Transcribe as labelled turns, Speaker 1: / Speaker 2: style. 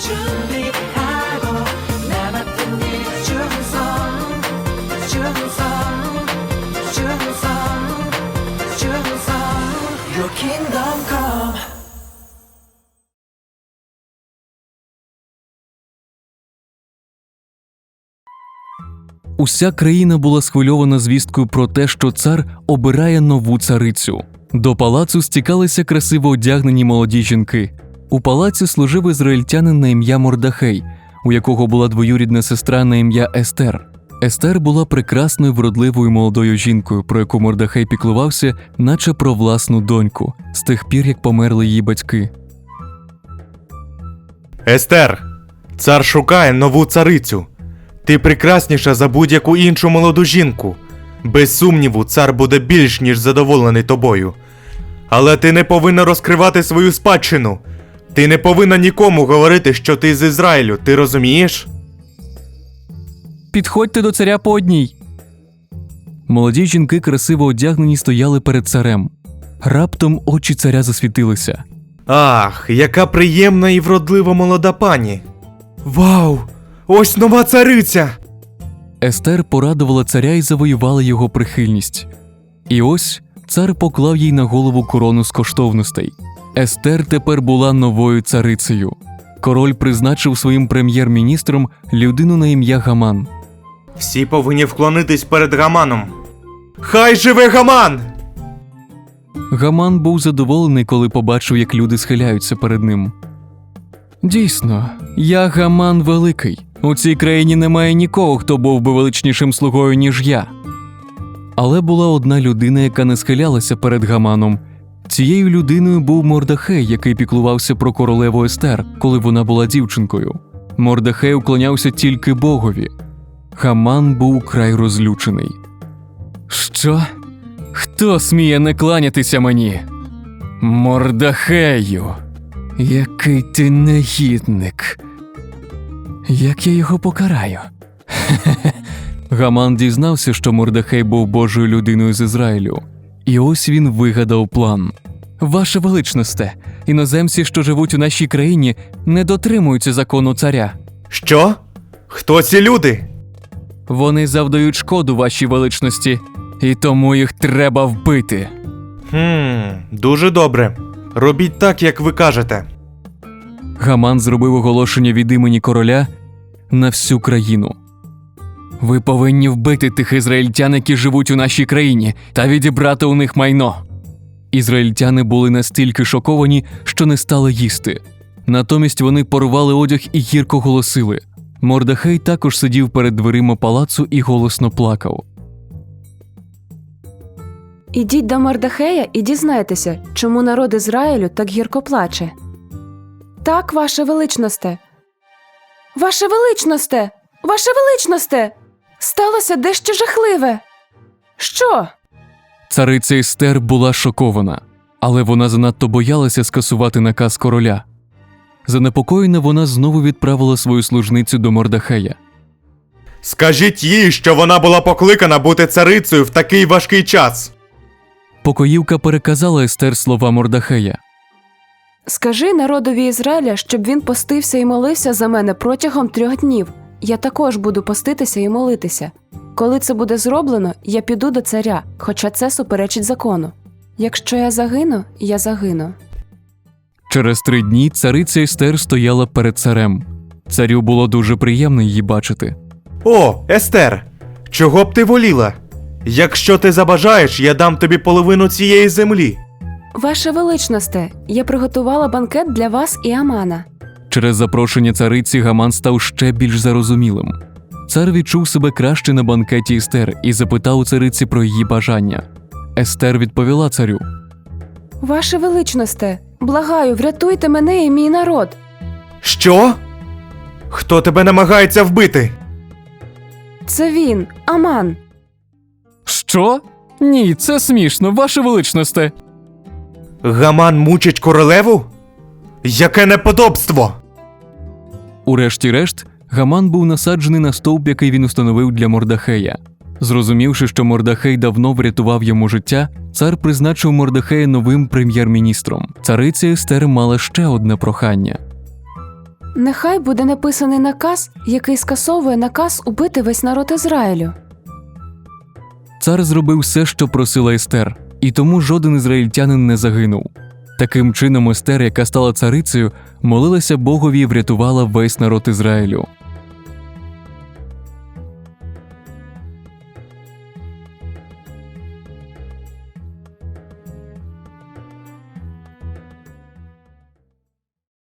Speaker 1: 준비하고 나 맡은 일 충성 Your kingdom come.
Speaker 2: Уся країна була схвильована звісткою про те, що цар обирає нову царицю. До палацу стікалися красиво одягнені молоді жінки. У палаці служив ізраїльтянин на ім'я Мордахей, у якого була двоюрідна сестра на ім'я Естер. Естер була прекрасною, вродливою молодою жінкою, про яку Мордахей піклувався, наче про власну доньку, з тих пір, як померли її батьки.
Speaker 3: Естер, цар шукає нову царицю. Ти прекрасніша за будь-яку іншу молоду жінку. Без сумніву, цар буде більш ніж задоволений тобою. Але ти не повинна розкривати свою спадщину. Ти не повинна нікому говорити, що ти з Ізраїлю, ти розумієш?
Speaker 2: «Підходьте до царя по одній!» Молоді жінки, красиво одягнені, стояли перед царем. Раптом очі царя засвітилися.
Speaker 3: Ах, яка приємна і вродлива молода пані. Вау! Ось нова цариця!
Speaker 2: Естер порадувала царя і завоювала його прихильність. І ось цар поклав їй на голову корону з коштовностей. Естер тепер була новою царицею. Король призначив своїм прем'єр-міністром людину на ім'я Гаман.
Speaker 3: Всі повинні вклонитись перед Гаманом. Хай живе Гаман!
Speaker 2: Гаман був задоволений, коли побачив, як люди схиляються перед ним. «Дійсно, я Гаман Великий. У цій країні немає нікого, хто був би величнішим слугою, ніж я». Але була одна людина, яка не схилялася перед Гаманом. Цією людиною був Мордахей, який піклувався про королеву Естер, коли вона була дівчинкою. Мордахей уклонявся тільки Богові. Гаман був край розлючений. «Що? Хто сміє не кланятися мені? Мордахею! Який ти негідник! Як я його покараю?» Гаман дізнався, що Мордахей був Божою людиною з Ізраїлю. І ось він вигадав план. «Ваше величносте, іноземці, що живуть у нашій країні, не дотримуються закону царя.
Speaker 3: Що? Хто ці люди?
Speaker 2: Вони завдають шкоду вашій величності, і тому їх треба вбити».
Speaker 3: Дуже добре. Робіть так, як ви кажете.
Speaker 2: Гаман зробив оголошення від імені короля на всю країну. «Ви повинні вбити тих ізраїльтян, які живуть у нашій країні, та відібрати у них майно». Ізраїльтяни були настільки шоковані, що не стали їсти. Натомість вони порвали одяг і гірко голосили. Мордахей також сидів перед дверима палацу і голосно плакав.
Speaker 4: «Ідіть до Мордахея і дізнайтеся, чому народ Ізраїлю так гірко плаче». «Так, ваше величносте! Ваше величносте! Ваше величносте! Сталося дещо жахливе!» «Що?»
Speaker 2: Цариця Естер була шокована, але вона занадто боялася скасувати наказ короля. Занепокоєна, вона знову відправила свою служницю до Мордахея.
Speaker 3: Скажіть їй, що вона була покликана бути царицею в такий важкий час.
Speaker 2: Покоївка переказала Естер слова Мордахея.
Speaker 4: «Скажи народові Ізраїля, щоб він постився і молився за мене протягом 3 днів. Я також буду поститися і молитися. Коли це буде зроблено, я піду до царя, хоча це суперечить закону. Якщо я загину, я загину».
Speaker 2: Через 3 дні цариця Естер стояла перед царем. Царю було дуже приємно її бачити.
Speaker 3: О, Естер, чого б ти воліла? Якщо ти забажаєш, я дам тобі половину цієї землі.
Speaker 4: «Ваше величносте, я приготувала банкет для вас і Амана».
Speaker 2: Через запрошення цариці Гаман став ще більш зарозумілим. Цар відчув себе краще на банкеті Естер і запитав у цариці про її бажання. Естер відповіла царю.
Speaker 4: «Ваше величносте, благаю, врятуйте мене і мій народ».
Speaker 3: Що? Хто тебе намагається вбити?
Speaker 4: «Це він, Аман».
Speaker 2: «Що? Ні, це смішно, ваше величносте».
Speaker 3: Гаман мучить королеву? Яке неподобство!
Speaker 2: Урешті-решт, Гаман був насаджений на стовп, який він установив для Мордахея. Зрозумівши, що Мордахей давно врятував йому життя, цар призначив Мордахея новим прем'єр-міністром. Цариця Естер мала ще одне прохання.
Speaker 4: Нехай буде написаний наказ, який скасовує наказ убити весь народ Ізраїлю.
Speaker 2: Цар зробив все, що просила Естер, і тому жоден ізраїльтянин не загинув. Таким чином Естер, яка стала царицею, молилася Богові і врятувала весь народ Ізраїлю.